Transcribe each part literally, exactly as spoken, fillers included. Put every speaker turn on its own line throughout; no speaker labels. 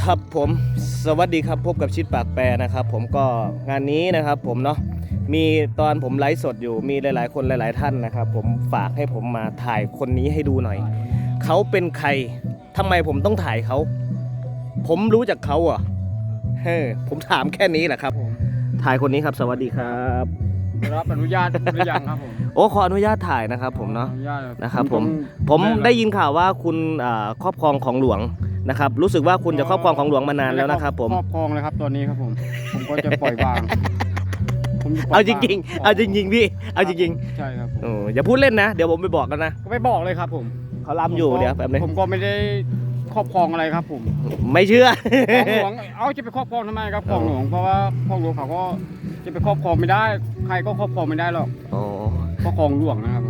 ครับผมสวัสดีครับพบกับชิดปากแปรนะครับผมก็งานนี้นะครับผมเนาะมีตอนผมไลฟ์สดอยู่มีหลายๆคนหลายๆท่านนะครับผมฝากให้ผมมาถ่ายคนนี้ให้ดูหน่อยเขาเป็นใครทำไมผมต้องถ่ายเขาผมรู้จักเขาอ่ะเฮ้ผมถามแค่นี้แหละครับถ่ายคนนี้ครับสวัสดีครับ
รับอนุญาตหรือยังครับผม
โอ้ขออนุญาตถ่ายนะครับผมเนาะ
อนุญาต
นะครับผมผมได้ยินข่าวว่าคุณครอบครองของหลวงนะครับรู้สึกว่าคุณจะครอบครองของหลวงมานานแล้วนะครับผม
ครอบครองเลยครับตอนนี้ครับผมผมก็จะปล่อยวาง
เอาจริงๆเอาจริงๆพี่เอาจริง
ๆใช่ครับ
โอ้อย่าพูดเล่นนะเดี๋ยวผมไปบอกกันนะ
ก็ไม่บอกเลยครับผม
เขาล้ำอยู่เดี๋ยวแบบนี้
ผมก็ไม่ได้ครอบครองอะไรครับผม
ไม่เชื่อ
ของหลวงเอาจะไปครอบครองทำไมครับของหลวงเพราะว่าของหลวงเขาก็จะไปครอบครองไม่ได้ใครก็ครอบครองไม่ได้หรอกเพราะของหลวงนะครับ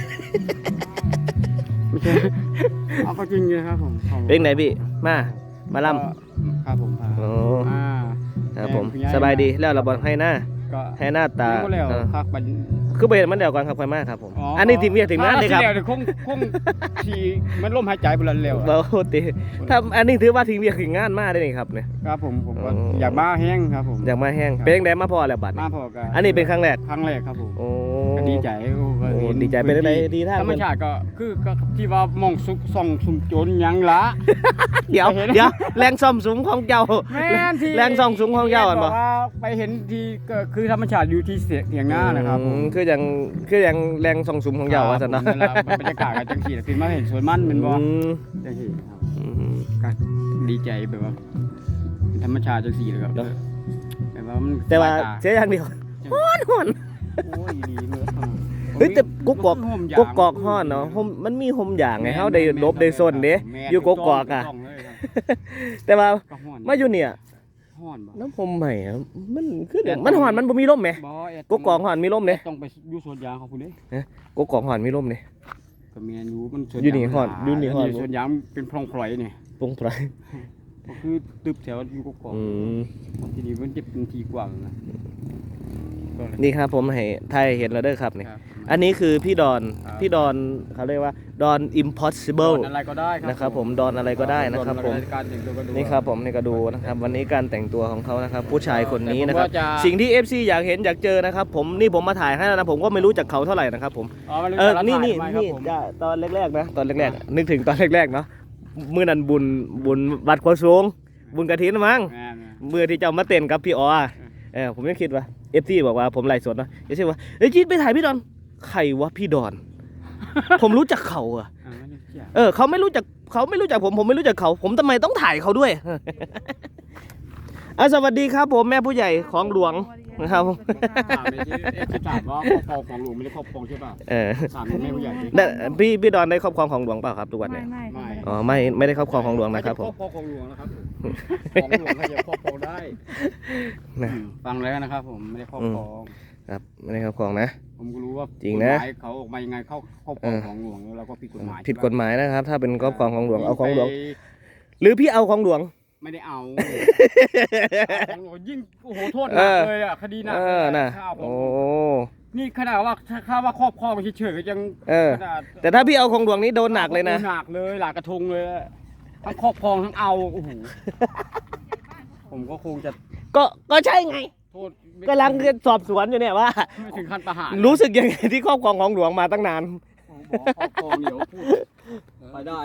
ไม่ใช่เอาก็จริงเลยครับผม
เป็นไหนพี่มามาล่
ำครับผม
โอ้ครับผมสบายดีแล้วเราบอกให้หน้าให้หน้าตาคือไปมันเดียวกันครับค่อยมากครับผมอันนี้ทีมเวียถึงนั้นเลยครับ
คงคงทีมันล่มหายใจไปแล้วเร็ว
โอ้ตีถ้าอันนี้ถือว่าทีมเวียถึงงานมากได้เลยครับเนี่ย
ครับผมผมอยากมาแห้งครับผม
อยากมาแห้งเป็นยังไงมาพอแล้วบัตร
มาพอกัน
อันนี้เป็นครั้งแรก
ครั้งแรกครับผม
โอ้
ดีใจ
ดีใจเป็นอะไรดีท่า
ธรรมชาติก็คือที่ว่ามองสุกส่องสุมโจรยังละ
เดี๋ยวเดี๋ยวแรงซ่อมสูงของเจ้าแรงซ่อมสูงของเจ้าอ่ะบอก
ไปเห็นทีก็คือธรรมชาติอยู่ที่เสียงหน้านะครับ
คืออย่างคืออย่างแรงส่องสูงของเจ้าว่าสันนะ
บรรยากาศกันจังสีคือมาเห็นสวนมันเป็นบ่จังสีครับก็ดีใจแบบว่าธรรมชาติจังสีเลยครับแต่ว่า
แต่ว่าเสียอย่างเดียวฮ้อนฮ้อน
โอ้ยดีเลย
เฮ้ยแต่กุ๊กกอกกุ๊กกอกฮ้อนเนาะมันมีห่มอย่างไงเฮาได้ลบได้ซนเด้อยู่กุ๊กกอกอ่ะแต่ว่ามาอยู่เนี่ยน้ำห่มใหม่มันคือมันฮ้อนมันบ่มีลมไหมกุ๊กกอกฮ้อนมีลมเด้
ต้องไปอยู่สวนยางของคุณเด้
กุ๊กกอกฮ้อนมีลมเด้
ก็แม่นอยู่มันสวน
อยู่นี่ฮ้อนอยู่นี่ฮ้อน
สวนยางเป็นพลองพลอยนี่
พลองพลอย
ก็คือตึบแถวอยู่กุ๊กกอกทีนี้มันจะเป็นทีกว้างนะ
นี่ครับผมให้ไทยเห็นแล้วเด้อครับนี่อันนี้คือพี่ดอนพี่ดอนเขาเรียกว่าดอน impossible
อะไรก็ได้
นะครับผมดอนอะไรก็ได้นะครับผมนี่ครับผมนี่ก็ดูนะครับวันนี้การแต่งตัวของเขานะครับผู้ชายคนนี้นะครับสิ่งที่ เอฟ ซี อยากเห็นอยากเจอนะครับผมนี่ผมมาถ่ายให้แล้วนะผมก็ไม่รู้จักเขาเท่าไหร่นะครับผมเออนี่นี่นี่ตอนแรกๆนะตอนแรกๆนึกถึงตอนแรกๆเนาะมื้อนั้นบุญบุญวัดโคสูงบุญกฐินมั้งมื้อที่เจ้ามาเต้นกับพี่อ๋อเออผมยังคิดว่าเอฟซีบอกว่าผมไลฟ์สดนะเอฟซีว่าเฮ้ยจีนไปถ่ายพี่ดอนใครวะพี่ดอนผมรู้จักเขาอะเออเขาไม่รู้จักเขาไม่รู้จักผมผมไม่รู้จักเขาผมทำไมต้องถ่ายเขาด้วยอ่ะสวัสดีครับผมแม่ผู้ใหญ่ของหลวงนะครับ
ถามว่าครอบครองของหลวงไม่ได้ครอบครองใช่ป่ะเออถามแม่ผู้ใหญ่
พี่พี่ดอนได้ครอบครองของหลวงเปล่าครับทุกวันเนี่ย
ไม่
อ๋อไม่ไม่ได้ครอบครองของหลวงนะครับผม
ครอบครองของหลวงนะครับของหลวงใครจะครอบครองได้ฟังแล้วนะครับผมไม่ได้ครอบครอง
ครับไม่ได้ครอบครองนะ
ผมก็รู้ว่า
จริงนะ
เขาออกมายังไงเข้าครอบครองของหลวงแล้วก็ผิดกฎหมาย
ผิดกฎหมายนะครับถ้าเป็นครอบครองของหลวงเอาของหลวงหรือพี่เอาของหลวง
ไม่ได้เอาของหลวงยิ่งโอ้โหโทษหนักเลยอ่ะคดีหนักเลย
นะโอ้
นี่ขนาดว่าถ้าว่าครอบครองเฉยๆก็ยัง
แต่ถ้าพี่เอาของหลวงนี้โดนหนักเลยนะ
หนักเลยหลากกระทงเลยทั้งครอบครองทั้งเอาโอ้โหผมก็คงจะ
ก็ก็ใช่ไงกำลังสอบสวนอยู่เนี่ยว่า
ถึงขั้นประหาร
รู้สึกยังไงที่ครอบครองของหลวงมาตั้งนาน
ครอบครองเดี๋ยวพูดไปได้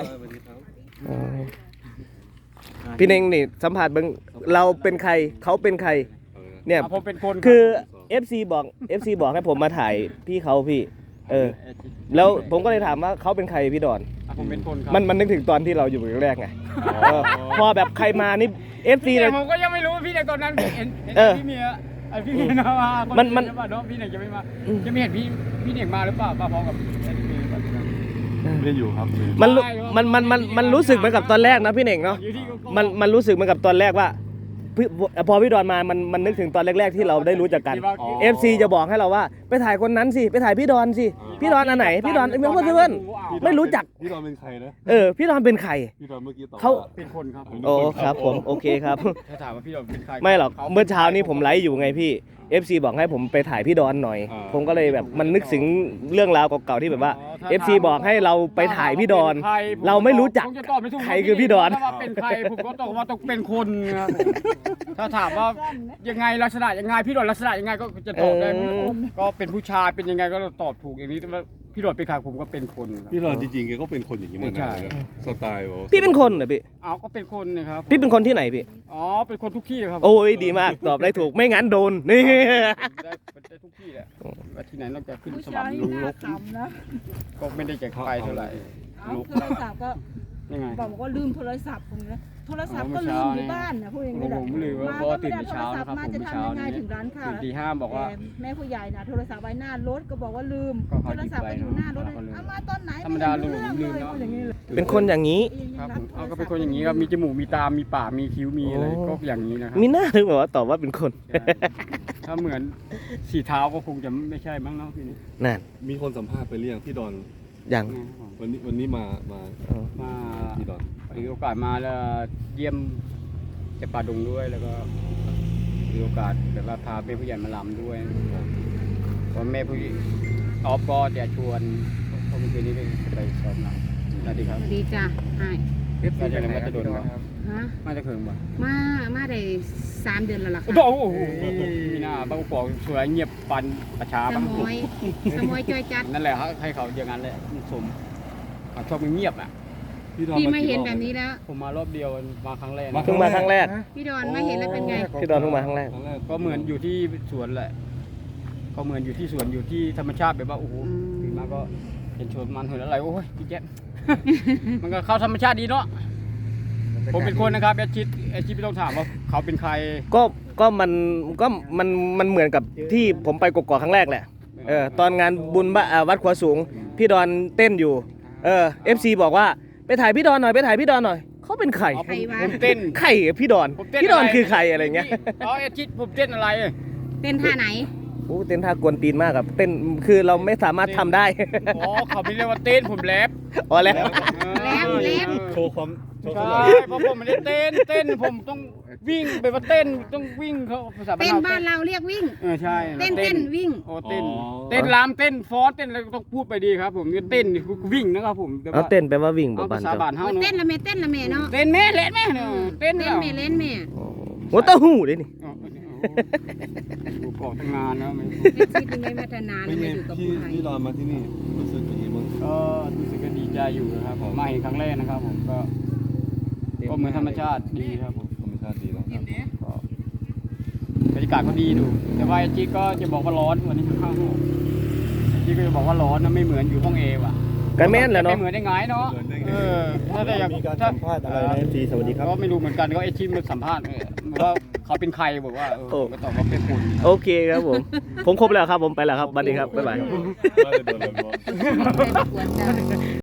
พี่เน่งนี่สัมผัสเบิ้งเราเป็นใครเขาเป็นใครเนี่ย
ผมเป็นคน
คือ เอฟ ซี บอก เอฟ ซี บอกให้ผมมาถ่ายพี่เขาพี่เออแล้วผมก็เลยถามว่าเขาเป็นใครพี่ดอน
ผมเป็นคน
มันมันนึกถึงตอนที่เราอยู่แรกไงพอแบบใครมานี่ เอฟ ซี
เลยผมก็ยังไม่รู้พี่ในตอนนั้นเห็นพี่เมียไอพี่เมียนะว่า
มันมัน
พี่เน่งจะไม่มาจะไม่เห็นพี่พี่เน่งมาหรือเปล่ามาพร้อมกับ
ไม่ได้อยู่ครับ
มันมันมันมันมันรู้สึกเหมือนกับตอนแรกนะพี่เน่งเนาะมันมันรู้สึกเหมือนกับตอนแรกว่าพี่พอพี่ดอนมามันมันนึกถึงตอนแรกๆที่เราได้รู้จักกัน เอฟ ซี จะบอกให้เราว่าไปถ่ายคนนั้นสิไปถ่ายพี่ดอนสิพี่ดอนอันไหนพี่ดอนเพื่อนเพื่อนไม่รู้จัก
พี่ดอนเป็นใครนะ
เออพี่ดอนเป็นใคร
พี่ดอนเมื่อกี้ตอบ
เขา
ว่
เป็นคนครับผม
โอ้ครับผมโอเคครับ
ถ้าถามว่าพี่ดอนเป็นใคร
ไม่หรอกเมื่อเช้านี้ผมไลฟ์อยู่ไงพี่ เอฟ ซี บอกให้ผมไปถ่ายพี่ดอนหน่อย ผมก็เลยแบบมันนึกถึงเรื่องราวเก่าๆที่แบบว่า เอฟ ซี บอกให้เราไปถ่ายพี่ดอน เราไม่รู้จัก
ผมจะตอบไม่ถูก
ใครคือพี่ดอน
ว่าเป็นใครผมก็ตอบว่าต้องเป็นคนครับผมถ้าถามว่ายังไงลักษณะยังไงพี่ดอนลักษณะยังไงก็จะตอบได้
เออ
ก็เป็นผู้ชายเป็นยังไงก็ตอบถูกอย่างนี้แต่ว่าพี่ดอนเป็นใครผมก็เป็นคนครับ
พี่ดอนจริงๆแกก็เป็นคนอย่างนี้เหมือน
ใช่
กันนะสไตล์แบบว่า
พี่เป็นคนเหรอพี่
เอาก็เป็นคนนะครับ
พี่เป็นคนที่ไหนพี่
อ๋อเป็นคนทุกที่ครับ
โอ้ยดีมากตอบได้ถูกไม่งั้นโดนนี่
ได้ได้ทุกที่แหละว่าที่ไหนนอกจากขึ้น
ผู้
สวร
ชาร ย
ค์ล
นี่
ง
น่า
ลก
ขำนะ
ก็ไม่ได้จะไปเท่าไหร่
เอาโทรศัพท์ก็
ยังไง
บอกว่าลืมโทรศัพท์ผมนะโทรศัพท์ก็ลืมอยู่บ้านนะพูดอย่างนี้แหละ
ผมลืมว่า
มา
เพราะ
ก็
ว่า
ไม่
ตื่น
ได้
แต่
โทร
เช้า
ศัพ
นะครับ
ท์มา
ผม
จะ
เมื่อ
ทำ
เช้า
ยังไง
นี้
ถึงร้านค้า
ตื่นตีห้าบอกว่า
แต่แม่ผู้ใหญ่นะโทรศัพท์ไว้หน้ารถก็บอกว่าลืม
ก็
โท
เขา
ร
หยิบ
ศัพท์
ไป
ไปอยู่หน้ารถ
เนอะ
เอามาตอนไหน
ธรรมดาลืม
ไรู้
ลืม
เรื่อง
เนาะ
เลยพูดอย่างนี้เลย
เป็นคนอย่างนี้
ครับผมเอาก็เป็นคนอย่างนี้ครับมีจมูกมีตา มีปากมีคิ้วมีอะไร
โอ้
ก็อย่างนี้นะครับ
มีหน้าถึงแบบว่าตอบว่าเป็นคน
ใช่ถ้าเหมือนสีเท้าก็คงจะไม่ใช่มั้งเนาะพี่นี่
นั่น
มีคนสัมภาษณ์ไปเรียงพี่ดอน
ยัง
วันนี้วันนี้มามา
อ๋อ
มา
พี่ดอน
มีโอกาสมาแล้วเยี่ยมเจ็บป่าดงด้วยแล้วก็มีโอกาสแบบว่าพาแม่ผู้ใหญ่มาลำด้วยเพราะแม่ผู้ใหญ่ออฟก็จะชวนเพราะเมื่อคืนนี้ก็ไปซ้อมลำสวัสดีครับ
สวัสดีจ้ะไอ้
มาจากไหนมาจากโดนครับ
ฮะ
มาจากเขิงบ่
มา มาได้สามเดือนแล้วล่ะค่ะ
โอ้โหมีหน้าบางกอกสวยเงียบปันประชา
ส
บาง
มอยสมอยจอยจัด
นั่นแหละให้เขาอย่างนั้นแหละสมเขาชอบเงียบอ่ะ
พี่ดอน
พี่
มา
ไม่
กี่
เห็น
รอบ
แบบนี้แล้ว
ผมมารอบเดียวมาครั้งแรก
เพิ่งมาครั้งแรก
พี่ดอนไม่เห็นแล้วเป็นไง
พี่ดอนเพิ่งมาครั้งแรก
ครั้งแรก
ก็เหมือนอยู่ที่สวนแหละก็เหมือนอยู่ที่สวนอยู่ที่ธรรมชาติแบบว่าโอ้โห
อืม
ตื่นมาก็เห็นชวนมันเห็นอะไรโอ้ยพี่แจ๊ค มันก็เข้าธรรมชาติดีเนาะผมเป็นคนนะครับแอดชิดแอดชิดไม่ต้องถามว่าเขาเป็นใคร
ก็ก็มันก็มันมันเหมือนกับที่ผมไปกกอกครั้งแรกแหละเออตอนงานบุญบ้าอ่าวัดขวาสูง พี่ดอนเต้นอยู่เออเอฟซีบอกว่าไปถ่ายพี่ดอนหน่อยไปถ่ายพี่ดอนหน่อยเขาเป็นใคร
อ๋อผม
ใครวะ
ผมเต้น
ใครอะพี่ดอน
ผมเต้น
พี่ดอนคือใครอะไรเงี้ย
อ๋อแอดชิดผมเต้นอะไร
เต้นท่าไหน
โอ้เต้นท่ากวนตีนมากครับเต้นคือเราไม่สามารถทำได้
อ๋อเขาไม่เรียกว่าเต้นผมแรป
อ๋อแล้ว
แล้วแล้ว
โชว์ความโชว์
ใช่
ความ
เพราะผมไม่ได้เต้นเต้นผมต้องวิ่งแบบว่าเต้นต้องวิ่งเขาภาษา
เต้นบ้านเราเรียกวิ่ง
เออใช่
เต้นเต้นวิ่ง
โอ้เต้นเต้นรำเต้นฟอสเต้นอะไรก็ต้องพูดไปดีครับ ผมนี่เต้นนี่คือวิ่งนะครับผมแต่
เอา
ว่า
เต้นไปว่าวิ่งบ่
เอา
บ้า
ภาน ษา
เจ้า
บ้านเฮา
โอ้
เนาะ
เต้นละแม่เต้นละแม่เนาะ
เต้นแม่เล่นแม่เนาะเต้น
เต้น
แล้ว
แม่เล่นแม่
หัวเต้าหู้เลยนี่
อ๋อโอ้โหอยู่เกาะตั้งนานแล้วไม่
เล่นชีวิตยังไงพัฒนา
เป็น
แล้ว
ไง
มาอยู่กับ
พี่
ผู้ใหญ่
พี่ดอนมาที่นี่รู้สึกยังไงบ้าง
ก็รู้สึกก็ดีใจอยู่นะครับผมมาเห็นครั้งแรกนะครับ ผมก็ก็เหมือนธรรมชาติดีครับผม
ธรรมชาติดีนะครับ
ก็บรรยากาศก็ดีดู แต่ว่าไอจีก็จะบอกว่าร้อนวันนี้ข้างไอจีก็จะบอกว่าร้อนนะไม่เหมือนอยู่ห้องเอว่ะ
กันแม่นแหละเนาะ
ไม่เหมือนได้ไงเนาะเออถ้าได้อยาก
มีการ
ถ้า
สัมภาษณ์อะไรนะเอฟซีสวัสดีครับ
ก็ไม่รู้เหมือนกันก็ไอจีมาสัมภาษณ์เออว่าเขาเป็นใครบอกว่าเออ
โอ้
ก็ตอบว่าเป็นคน
โอเคครับผม ผมครบแล้วครับผมไปแล้วครับสวัสดีครับบ๊ายบาย
น่าจะโดนแล้ว
ไม่ได้กวนจ้ะ